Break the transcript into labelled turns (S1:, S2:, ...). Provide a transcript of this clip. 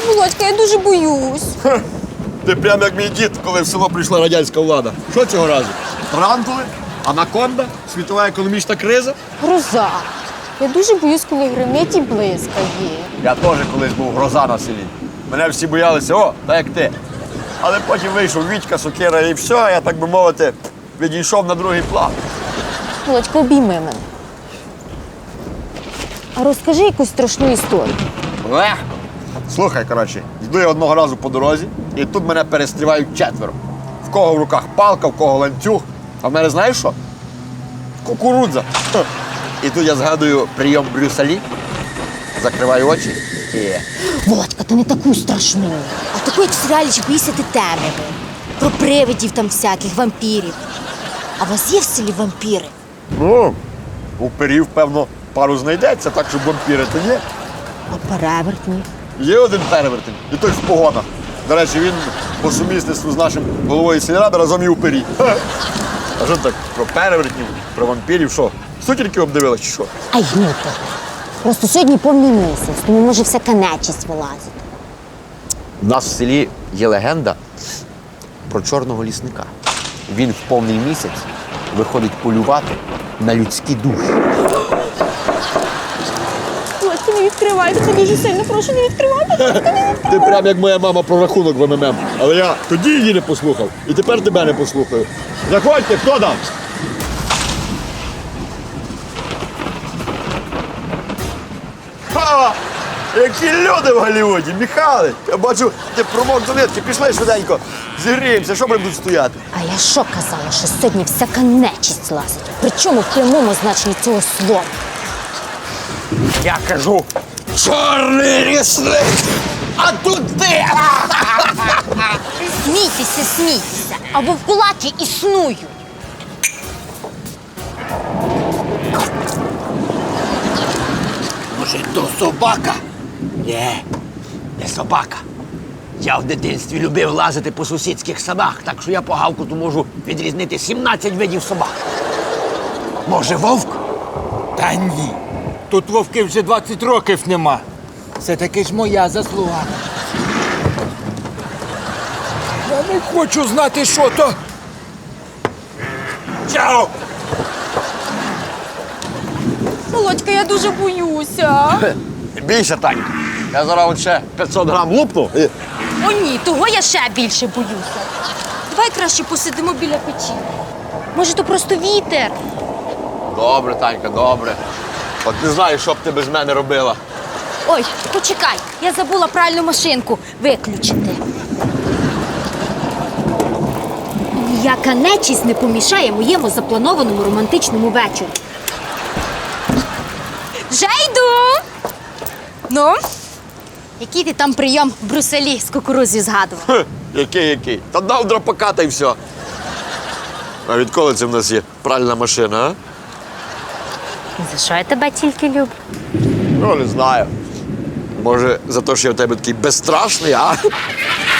S1: Володька, я дуже боюсь.
S2: Ти прям як мій дід, коли в село прийшла радянська влада. Що цього разу? Тарантули? Анаконда? Світова економічна криза?
S1: Гроза. Я дуже боюсь, коли гримить і блискає.
S2: Я теж колись був гроза на селі. Мене всі боялися, о, так як ти. Але потім вийшов Вітька, сокира і все, я, так би мовити, відійшов на другий план.
S1: Володька, обійми мене. А розкажи якусь страшну історію.
S2: Легко. Слухай, коротше, йду я одного разу по дорозі, і тут мене перестрівають четверо. В кого в руках палка, в кого ланцюг. А в мене знаєш що? Кукурудза. І тут я згадую прийом Брюса Лі, закриваю очі і...
S1: Володька, ти не таку страшну.
S3: А таку, як в серіалі «Чи боїшся ти темряви». Про привидів там всяких, вампірів. А у вас є в селі вампіри?
S2: Ну, у перів, певно, пару знайдеться, так що вампірити є.
S3: А перевертні?
S2: Є один перевертень, і той в погонах. До речі, він по сумісництву з нашим головою сільради разом і у пері. А що так, про перевертнів, про вампірів, що? Сутінки обдивилась, чи що?
S3: Ай, гнуто. Просто сьогодні повний місяць, тому може всяка нечисть вилазить.
S2: У нас в селі є легенда про чорного лісника. Він в повний місяць виходить полювати на людські душі.
S1: Володька, не відкривайте, це дуже сильно прошу, не відкривайте.
S2: Ти прям як моя мама про рахунок в МММ. Але я тоді її не послухав, і тепер тебе не послухаю. Заходьте, хто там? Ха! Які люди в Голлівуді, Михайле! Я бачу, ти промок до нитки, пішли швиденько, зігріємося, що будемо тут стояти?
S3: А я що казала, що сьогодні всяка нечисть лазить? Причому в прямому значенні цього слова.
S2: Я кажу, чорний лісник, а тут ти!
S3: Смійтеся, смійтеся, а вовкулаки існують.
S4: Може, то собака? Ні, не собака. Я в дитинстві любив лазити по сусідських садах, так що я по гавкоту можу відрізнити 17 видів собак. Може, вовк?
S5: Та ні. Тут вовки вже 20 років нема. Це таки ж моя заслуга. Я не хочу знати, що то.
S2: Чао!
S1: Володька, я дуже боюся.
S2: Бійся, Танька. Я зараз от ще 500 грам лупну. І...
S1: О ні, того я ще більше боюся. Давай краще посидимо біля печі. Може, то просто вітер?
S2: Добре, Танька, добре. От не знаю, що б ти без мене робила.
S3: Ой, почекай, я забула пральну машинку виключити. Ніяка нечисть не помішає моєму запланованому романтичному вечору. Вже йду! Ну, який ти там прийом в Брюсселі з кукурудзою згадував?
S2: Хе, який? Та дав драпака та й все. А відколи це в нас є пральна машина, а?
S3: За що я тебе тільки люблю?
S2: Ну, не знаю. Може, за те, що я в тебе такий безстрашний, а?